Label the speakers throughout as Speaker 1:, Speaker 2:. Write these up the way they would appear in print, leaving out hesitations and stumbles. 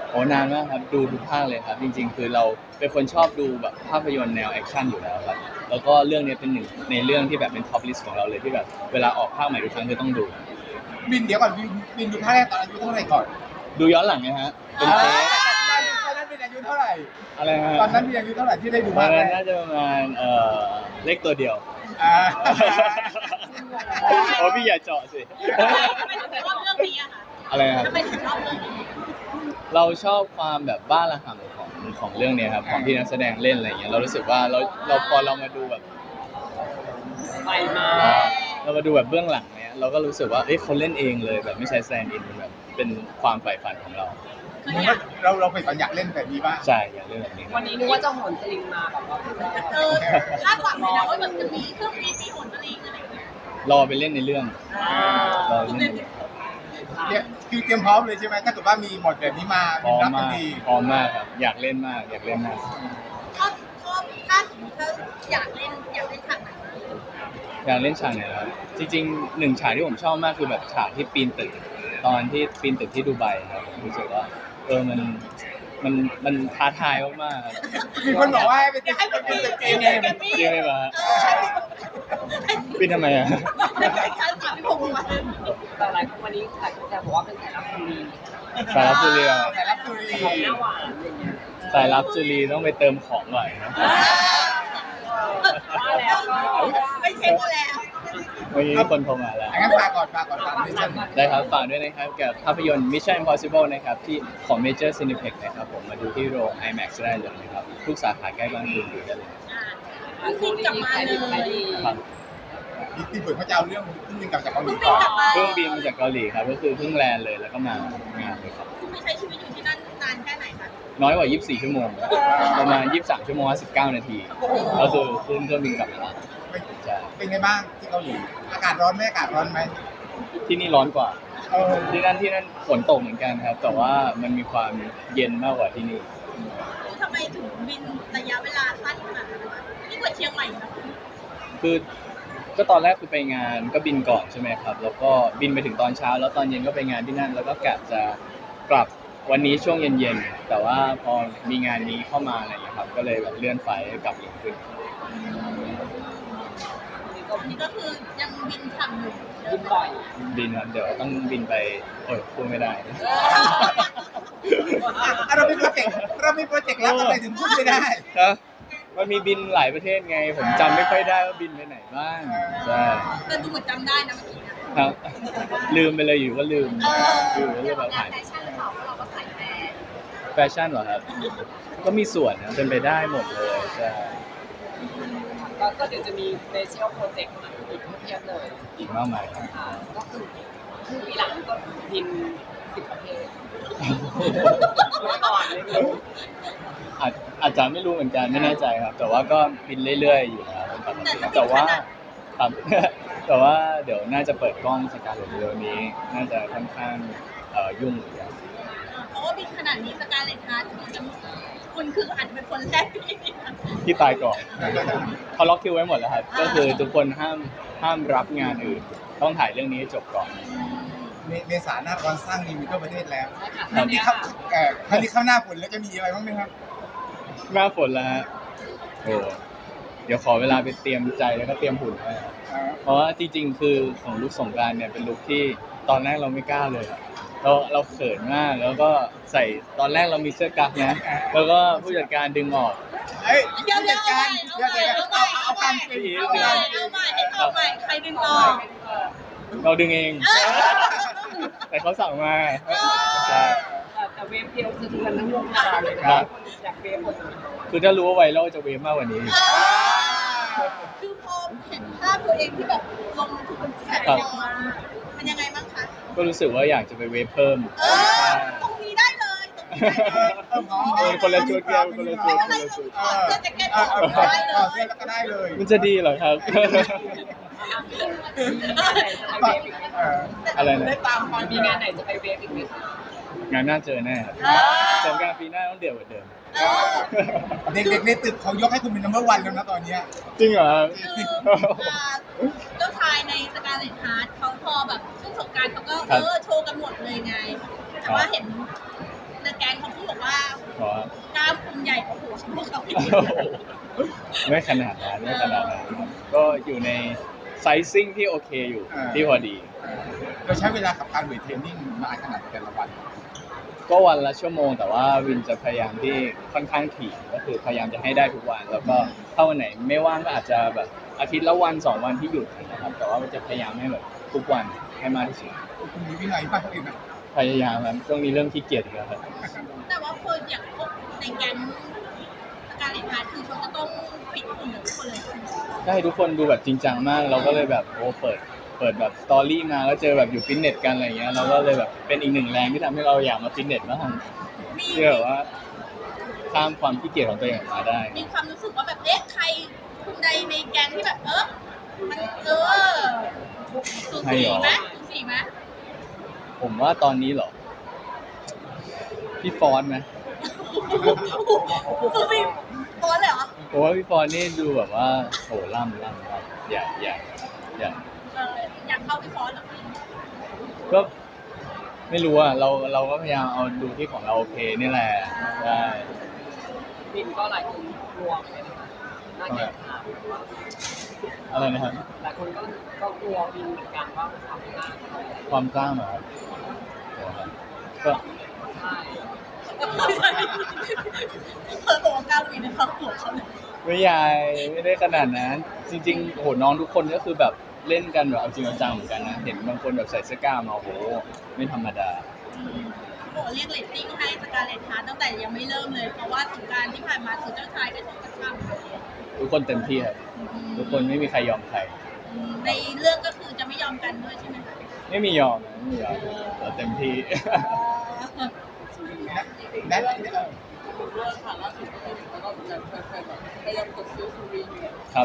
Speaker 1: โอ้นานมากครับดูทุกภาคเลยครับจริงๆคือเราเป็นคนชอบดูแบบภาพยนตร์แนวแอคชั่นอยู่แล้วครับแล้วก็เรื่องนี้เป็นหนึ่งในเรื่องที่แบบเป็นท็อปลิสต์ของเราเลยที่แบบเวลาออกภาคใหม่ทุกครั้งคือต้องดู
Speaker 2: บินเดี๋ยวก่อนบินดูภาคแรกตอนอายุเท่าไหร่ก่อน
Speaker 1: ดูย้อนหลังนะฮะเป็นเทป
Speaker 2: ตอนนั้นบินอายุเท่าไหร่
Speaker 1: อะไรฮะ
Speaker 2: ตอนนั้นบินอายุเท่าไหร่ที่ได้ดู
Speaker 1: ตอ
Speaker 2: ภาน คแร
Speaker 1: นั้น
Speaker 2: ก
Speaker 1: น่าจะประมาณเลขตัวเดียว
Speaker 2: อ่า
Speaker 1: โอ้พี่อย่าเจาะสิ
Speaker 3: ทำไมถึงชอบเรื่องนี้อะคะ
Speaker 1: อะไรครับ
Speaker 3: ทำไมถึงชอบเรื่องนี้
Speaker 1: เราชอบความแบบบ้าระห่ำของเรื่องเนี้ยครับของที่นักแสดงเล่นอะไรอย่างเงี้ยเรารู้สึกว่าเราพอเรามาดูแบบ
Speaker 4: ไปมา
Speaker 1: เรามาดูแบบเบื้องหลังเนี้ยเราก็รู้สึกว่าเอ้ยเขาเล่นเองเลยแบบไม่ใช่แซนด์อินแบบเป็นความใฝ่ฝันของเรา
Speaker 3: คือ
Speaker 2: มัน
Speaker 3: อยา
Speaker 2: ก็
Speaker 3: ก
Speaker 2: เราไปฝันอยากเล่นแบบนี้บ้าง
Speaker 1: ใช่อยากเล่นแบบนี้
Speaker 4: วันนี้นึกว่าจะโหนสลิงมาแบบว่า
Speaker 3: คาดหวังเลยนะว่าแบบจะมีเครื่องบินมีโหนสลิงอะไรอย่างเงี้ย
Speaker 1: รอไปเล่นในเรื่องรอไปเล่นในเรื่อง
Speaker 2: เนี่ยคือเตรียมพร้อมเลยใช่ไหมถ้าเกิดว่ามีบทแบบนี้มา
Speaker 1: พร้อม
Speaker 2: รับทั
Speaker 1: มาน ก
Speaker 2: ที
Speaker 1: พร้อมมากครับอยากเล่นมากอยากเล่นมาก
Speaker 3: ชอบถ้าสมมติถ้าอยากเล่นฉากไหน
Speaker 1: อยากเล่นฉากไหนแล้วจริงๆหนึ่งฉากที่ผมชอบมากคือแบบฉากที่ปีนตึกตอนที่ปีนตึกที่ดูไบครับรู้สึกว่ามันท้าทายมากๆครับ
Speaker 2: มีคนบอกว่าให้ไป
Speaker 3: อยากให้
Speaker 2: เป็
Speaker 3: เป็น น
Speaker 2: ตึกเก
Speaker 3: เก
Speaker 2: ม
Speaker 3: ม
Speaker 2: เอง
Speaker 3: เกมมี่
Speaker 1: จริงไหมวะปีนทำไมอ่ะ
Speaker 3: ให้การถามพี่พงษ์มา
Speaker 4: แต่หลายคนวันนี้หลายคนแซวบอกว่าเป็นสายลับคนดี
Speaker 1: สายลับจุลี
Speaker 2: สายรับสุรี
Speaker 4: ของหน้าหวานอะไรเงี้ย
Speaker 1: สายลับจุลีต้องไปเติมของหน่อยนะ
Speaker 4: ว่าแล้วก็
Speaker 3: ไปเช็คมาแล้ว
Speaker 1: วันนี้คนโทรมาแล้ว
Speaker 2: งั้นฝากก่อนตามดิฉัน
Speaker 1: ได้ครับฝากด้วยนะครับกับภาพยนตร์ Mission Impossible นะครับที่ของ Major Cineplex นะครับผมมาดูที่โรง IMAX ได้เลยนะครับทุกสาขาใกล้บ้านคุณดูได้เลย
Speaker 3: พี่กลับมาเลย
Speaker 1: ครับ
Speaker 2: ที่เปิดเขาจะเอาเรื่องขึ้นบินกลับจากเกาหลี
Speaker 3: พี่กลับมา
Speaker 1: เครื่องบินมาจากเกาหลีครับก็คือเพิ่งแลนด์เลยแล้วก็มางานเลยครับ
Speaker 3: ไม่ใช้ชีวิตอยู่ที่นั่นนานแค่ไหนคะ
Speaker 1: น้อยกว่า 24 ชั่วโมงประมาณ 23 ชั่วโมง 19 นาทีก็คือขึ้นเครื่องบินกลับมาแล้วใช่
Speaker 2: เป็นไงบ้างที่เกาหลีอากาศร้อนไหมอากาศร้อนไหม
Speaker 1: ที่นี่ร้อนกว่า
Speaker 2: เออ
Speaker 1: ที่นั่นฝนตกเหมือนกันครับ แต่ว่ามันมีความเย็นมากกว่าที่นี่
Speaker 3: ทำไมถึงบินระยะเวลาสั้นขนาดนั้นวะนี่กว่าเชียงใหม่นะ
Speaker 1: คือก็ตอนแรกคือไปงานก็บินก่อนใช่ไหมครับ แล้วก็บินไปถึงตอนเช้า แล้วตอนเย็นก็ไปงานที่นั่น แล้วก็กะจะกลับวันนี้ช่วงเย็นๆแต่ว่าพอมีงานนี้เข้ามาอะไรอย่างเงี้ยครับก็เลยแบบเลื่อนไฟล์กลับเร็วขึ้น
Speaker 3: นี่ก็คือยังบินทำอยู่
Speaker 4: กินบ่อย
Speaker 1: บินครับเดี๋ยวต้องบินไปพูดไม่ได้
Speaker 2: เรามีโปรเจกต์ลับอะไรถึงพูดไม่ได้
Speaker 1: นะมันมีบินหลายประเทศไง ผมจำไม่ค่อยได้ว่าบินไปไหนบ้างใช่
Speaker 3: แต่ดูเหมือนจำได้นะเมื่อกี้นะครับ
Speaker 1: ลืมไปเลยอยู่ก็ลืมอยู่ก็เลยแบบหาย
Speaker 3: แฟชั่นหรือเปล่าเพราะเราก็ใส่แบรนด์
Speaker 1: แฟชั่นเหรอครับ ก็มีส่วนนะเป็นไปได้หมดเลยใช่
Speaker 4: ก็เดี๋ยวจะมีสเปเชียลโปรเจกต์อีกเพียบเลย
Speaker 1: อีกมากมายครับ
Speaker 4: ก็คือปีหลังก็บิน10 ประเทศเมื่อก่อนเลยคือ
Speaker 1: อาจจะไม่รู้เหมือนกันไม่แน่ใจครับ แต่ว่าก็บินเรื่อยๆอยู่แล้วเป็นปกติแต่ว่าครับ แต่ว่าเดี๋ยวน่าจะเปิดกล้องสกาเลตเร็วนี้ น่าจะค่อนข้างยุ่งเหมือนกัน
Speaker 3: เพราะว่าบินขนาดนี้สกาเลตฮาร์ทคุณคืออาจจะเป็นคนแรกที่
Speaker 1: ที่ตายก่อนเขาล็อกคิวไว้หมดแล้วครับก็คือทุกคนห้ามรับงานอื่น ต้องถ่ายเรื่องนี้ให้จบก่อน
Speaker 2: เมษาหน้าร้อนสร้างนิวทั่วประเทศแล้ว
Speaker 4: ใช่ค่ะ
Speaker 2: ครั้งนี้เข้าครั้งนี้เข้าหน้าฝนแล้วจะมีอะไรบ้างไหมครับ
Speaker 1: หน้าฝนแล้วฮะโอ้เดี๋ยวขอเวลาไปเตรียมใจแล้วก็เตรียมหุ่นไว้ครับเพราะว่าจริงๆคือของลุคสงกรานต์เนี่ยเป็นลุคที่ตอนแรกเราไม่กล้าเลยอะเราเขินมากแล้วก็ใส่ตอนแรกเรามีเสื้อกั๊กนะแล้วก็ผู้จัดการดึงออก
Speaker 2: เฮ้ย
Speaker 3: เดี๋ยว
Speaker 2: จัดการเอาความ
Speaker 3: ใหม่ให้เข้าใหม่ใครดึงออก
Speaker 1: เราดึงเอง แต่เขาสั่งมาใช่
Speaker 4: แต่เวฟเดียวสะเทือนทั้งวงการเลย
Speaker 1: ครับ
Speaker 4: อยากเวฟหมดเลย
Speaker 1: คือถ้ารู้ว่าไวรัลจะเวฟมากกว่านี้
Speaker 3: คือพอเห็นภาพตัวเองที่แบบลงทุนแข่งมันยังไงบ้างคะ
Speaker 1: ก็รู้สึกว่าอยากจะไปเวฟเพิ่ม
Speaker 3: ตรงนี้ได้เลยตรงนี้ได้เลย
Speaker 1: คนละชุดกันคนละชุด
Speaker 3: อะไรลงถอดเสื้อแจ็คเก็ตออกได้เล
Speaker 2: เสื้อย แล้วก็ได้เลย
Speaker 1: มันจะดีเหรอครับ อะไรนะ
Speaker 2: ได้ตามความ
Speaker 4: มีงานไหนจะไปเวฟอีกไหมคะ
Speaker 1: งานหน้าเจอแน่ครับสงกรานต์ปีหน้าต้องเดือดกว่าเดิม
Speaker 2: เด็กๆในตึกเขายกให้คุณเป็น number 1แล้วนะตอนเนี้ย
Speaker 1: จริงเหรอครับ
Speaker 3: เจ้าชายในสกาเลตฮาร์ทเขาพอแบบช่วงสงกรานต์เขาก็โชว์กันหมดเลยไง แต่ว่าเห็นในแก๊งเขาพูดว่า
Speaker 1: เพราะ
Speaker 3: กล้ามคุณใหญ่กว่าหัวพวกเขาอีก
Speaker 1: ไม่ขนาดนั้นไม่ขนาดนั้นก็อยู่ในไซซิ่งที่โอเคอยู่ที่พอดี
Speaker 2: เราใช้เวลากับการเวทเทรนนิ่งนานขนาดแต่ละวัน
Speaker 1: ก็วันละชั่วโมงแต่ว่าวินจะพยายามที่ค่อนข้างถี่ก็คือพยายามจะให้ได้ทุกวันแล้วก็ถ้าวันไหนไม่ว่างก็อาจจะแบบอาทิตย์ละวัน2 วันที่หยุดนะครับแต่ว่ามันจะพยายามให้แบบทุกวันให้มากที่สุด
Speaker 2: คุณมีวินัยมากเลยนะ
Speaker 1: พยายามครับช่วงนี้เริ่มขี้เกียจอีกแล้วครับ
Speaker 3: แต่ว่าคนอย่างพวกในแก๊งการเล่นพาร์ทคือเขาจะต้องปิดหุ่นทุกคนเลย
Speaker 1: ใช่ทุกคนดูแบบจริงจังมากเราก็เลยแบบโอ้เปิดแบบสตอรี่มาแล้วเจอแบบอยู่ฟิตเนสกันอะไรเงี้ยเราก็เลยแบบเป็นอีกหนึ่งแรงที่ทำให้เราอยากมาฟิตเนสบ้าง
Speaker 3: มี
Speaker 1: ที่แบบว่าข้ามความขี้เกียจของตัวเองออกมาได้
Speaker 3: มีความรู้สึกว่าแบบใครคุณใดในแก๊งที่แบบมันสูสีไหมสูสีไหม
Speaker 1: ผมว่าตอนนี้เหรอพี่ฟอนต์ไหม
Speaker 3: สูสีโอนเลยเหรอ
Speaker 1: ผมว่าพี่ฟอนต์นี่ดูแบบว่าโหล่ำครับอย่า
Speaker 3: อยากเข้าไปฟอนเหรอ
Speaker 1: ก็ไม่รู้อ่ะเราก็พยายามเอาดูที่ของเราโอเคนี่แหละใช่
Speaker 4: บินก็หลายคนกลัวใช่ไหมคะน่าเกลียดค่ะ
Speaker 1: อะไรนะครับ
Speaker 4: หลายคนก็กลัวบินเหมือนกันว่าความกล้าเท่าไหร่
Speaker 1: ความกล้าเหรอครับก็
Speaker 4: ใช่
Speaker 3: เธอบอกว่ากล้าลุยในครอบครัวเขาเลย
Speaker 1: ไม่ใหญ่ไม่ได้ขนาดนั้นจริงๆโหน้องทุกคนก็คือแบบเล่นกันแบบเอาจริงเอาจังเหมือนกันนะเห็นบางคนแบบใส่เสื้อกล้ามมาโหไม่ธรรมดา
Speaker 3: โอ้เรียกเรตติ้งให้สกาเลตฮาร์ตั้งแต่ยังไม่เริ่มเลย เพราะว่าสงกรารที่ผ่านมาคือเจ้าชายก็ชกกระชับ
Speaker 1: ทุกคนเต็มที่ครับทุกคนไม่มีใครยอมใคร
Speaker 3: ในเรื่องก็คือจะไม่ยอมกันด้วยใช่ไหมคะ
Speaker 1: ไม่มียอมนะไม่มียอมเราเต็มที่
Speaker 2: แนท
Speaker 4: เรื่องค่ะล่าสุดก็คือแล้วก็แบบแฟนๆแบบพยายามกดซื้อซูรีอยู่
Speaker 1: ครับ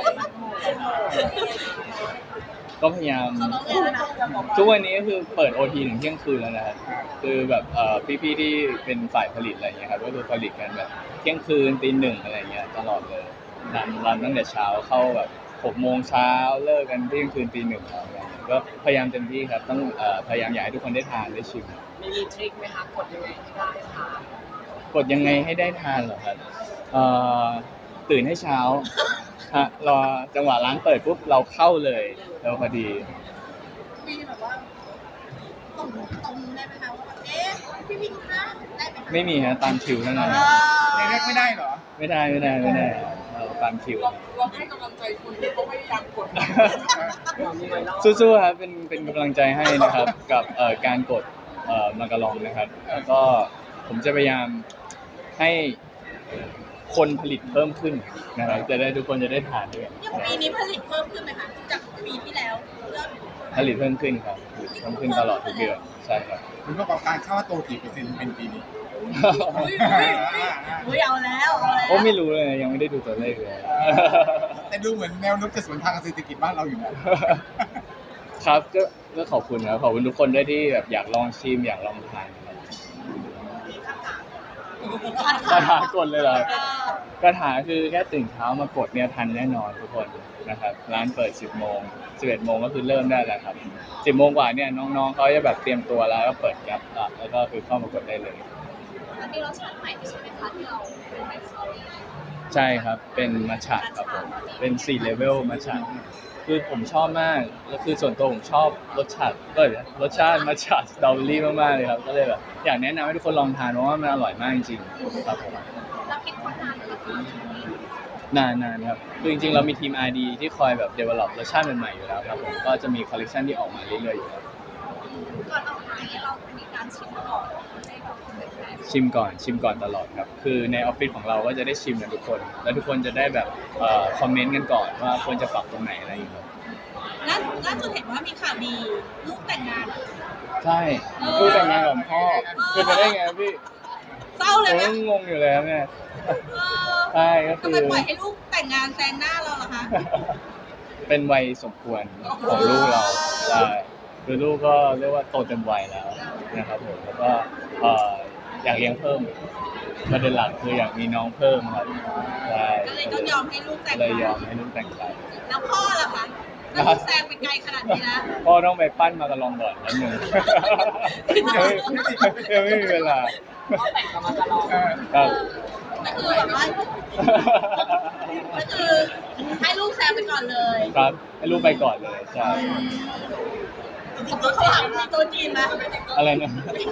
Speaker 1: ก็พยายาม
Speaker 3: เขาต้องเล่นแล้วนะ
Speaker 1: ทุกวันนี้ก็คือเปิด OT ถึงเที่ยงคืนแล้วนะครับคือแบบพี่ๆที่เป็นฝ่ายผลิตอะไรเงี้ยครับก็คือผลิตกันแบบเที่ยงคืนตี 1อะไรเงี้ยตลอดเลยรันตั้งแต่เช้าเข้าแบบ6 โมงเช้าเลิกกันเที่ยงคืนตี 1อะไรเงี้ยก็พยายามเต็มที่ครับต้องพยายามอยากให้ทุกคนได้ทานได้ชิม
Speaker 4: มีทริคไหมคะกดยังไงให้ได้ค่ะ
Speaker 1: กดยังไงให้ได้ทานเหรอครับตื่นให้เช้าฮะรอจังหวะร้านเปิดปุ๊บเราเข้าเลยแล้วพอดี
Speaker 3: มีแบบว่าตรงได้ไหมคะว่าแบบพี่วินคะได้ไหมคะ
Speaker 1: ไม่มีฮะตามคิวเท่านั้น
Speaker 2: ในแรกไม่ได้เหรอ
Speaker 1: ไม่ได้เราตามคิว
Speaker 4: เราให้กำลังใจคุณที่เขาพยายามกดมีไวรัล
Speaker 1: สู้ๆครับเป็นกำลังใจให้นะครับ กับการกดมากระลองนะครับ แล้วก็ผมจะพยายามให้คนผลิตเพิ่มขึ้นนะครับจะได้ทุกคนจะได้ทานด้วย
Speaker 3: อย่างปีนี้ผลิตเพิ่มขึ้นไหมคะจากปีที่แล้วเริ่ม
Speaker 1: ผลิตเพิ่มขึ้นครับผลิตเพิ่มขึ้นตลอดทุกเดือนใช่ครับ
Speaker 2: คุณประกอบการเข้าว่าโตกี่เปอร์เซ็นต์เป็นปีนี้
Speaker 3: อุ้ยเอาแล้ว
Speaker 1: โอ้ไม่รู้เลยยังไม่ได้ดูตัวเลขเลย
Speaker 2: แต่ดูเหมือนแนวโน้มจะสวนทางกับเศรษฐกิจบ้านเราอยู่นะ
Speaker 1: ครับก็ขอบคุณครับขอบคุณทุกคนด้วยที่แบบอยากลองชิมอยากลองทานครับคาถากดเลยเหรอคาถาคือแค่ตื่นเช้ามากดเนี่ยทันแน่นอนทุกคนนะครับร้านเปิด 10 โมง 11 โมงก็คือเริ่มได้แล้วครับ 10 โมงกว่าเนี่ยน้องๆเขาจะแบบเตรียมตัวแล้วก็เปิดแก๊ปแล้วก็คือเข้ามากดได้เลย
Speaker 3: มันมีรสชาติใหม่ใช่ไหมคะที่เราเป็นไมซ์ซอรี่
Speaker 1: ใช่ครับเป็นมัทฉะครับผมเป็น4เลเวลมัทฉะคือผมชอบมากแล้วคือส่วนตัวผมชอบรสชาติมัทฉะสตรอเบอรี่มากๆเลยครับก็เลยแบบอยากแนะนำให้ทุกคนลองทานเพราะว่ามันอร่อยมากจริงๆครับผม
Speaker 3: เราคิดคนนานเลยค่ะ
Speaker 1: นานครับคือจริงๆเรามีทีม R&D ที่คอยแบบ develop รสชาติใหม่ๆอยู่แล้วครับผมก็จะมีคอลเลคชันที่ออกมาเรื่อยๆอยู่แล้ว
Speaker 3: ก่อนออกมาเนี่ยเรามีการชิมก่อนให้แบบเป็นแฟน
Speaker 1: ชิมก่อนตลอดครับคือในออฟฟิศของเราก็จะได้ชิมกันทุกคนแล้วทุกคนจะได้แบบคอมเมนต์กันก่อนว่าควรจะปรับตรงไหนอะไรอย่างเงี้ย
Speaker 3: ล่าสุดเห็นว่ามีข่าวดีลูกแต่งงาน
Speaker 1: ใช่ลูกแต่งงานกับพ่อเป็นไปได้ไงพี่
Speaker 3: เศร้าเลย
Speaker 1: ผม
Speaker 3: ไหม
Speaker 1: ก็งงอยู่เลยครับเนี่ย
Speaker 3: เออ
Speaker 1: ใช่ก็
Speaker 3: ทำ
Speaker 1: คื
Speaker 3: ไม
Speaker 1: อ
Speaker 3: ปล่อยให้ลูกแต่งงานแซงหน้าเราล่ะคะ
Speaker 1: เป็นวัยสมควรของลูกเราใช่คือลูกก็เรียกว่าโตเต็มวัยแล้วนะครับผมแล้วก็อยากเลี้ยงเพิ่มประเด็นหลักคืออยากมีน้องเพิ่มครับใช่
Speaker 3: ก็เลยต้องยอมให้ลูกแต่ง
Speaker 1: เลยย
Speaker 3: งา
Speaker 1: อน มให้ลูกแต่งไป
Speaker 3: แล้วพ่อล่ะคะแล้วคุณแซงไปไกลขนาดนี้นะ
Speaker 1: พ่อต้องไปปั้นมากระลองก่อนนิดนึงยังไม่มีเวลา
Speaker 4: ก็แต่งกับมาตลอด
Speaker 1: ครับ
Speaker 3: ก็คือแบบว่าก็คือให้ลูกแซงไปก่อนเลย
Speaker 1: ครับให้ลูกไปก่อนเลยใช่
Speaker 3: เขาถามมีตัวจีนไหม
Speaker 1: อะไรนะ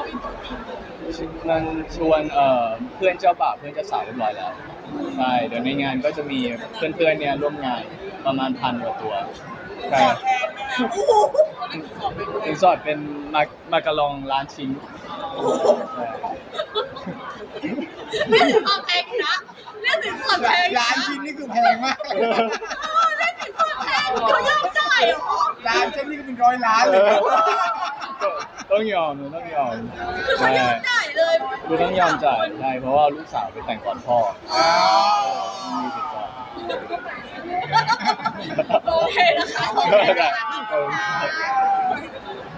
Speaker 1: นั่นชวนเพื่อนเจ้าบ่าวเพื่อนเจ้าสาวเรียบร้อยแล้วใช่เดี๋ยวในงานก็จะมีเพื่อนๆเนี่ยร่วมงานประมาณ1,000 กว่าตัวใช่
Speaker 3: โอ้โห
Speaker 1: สินสอดเป็นมากระลองล้านชิ้นใช่
Speaker 3: เรื่องถึงความแพงนะเรื่องถึงความแพง
Speaker 2: ร้านชิ้นนี่คือแพงมากเลย
Speaker 3: เรื่องถึงความแพงเขายอมจ่ายเหรอ
Speaker 2: ร้านชิ้นนี่ก็เป็น100 ล้านเลย
Speaker 1: ต้องยอมต้องยอม
Speaker 3: คือเขา
Speaker 1: ใช่
Speaker 3: ยอมจ่ายเลย
Speaker 1: คือต้องยอมจ่ายใช่เพราะว่าลูกสาวไปแต่งก่อนพ่อ
Speaker 2: อ๋อ
Speaker 1: มีสิทธิ์ก่อน
Speaker 3: โอเคนะคะ
Speaker 1: ได้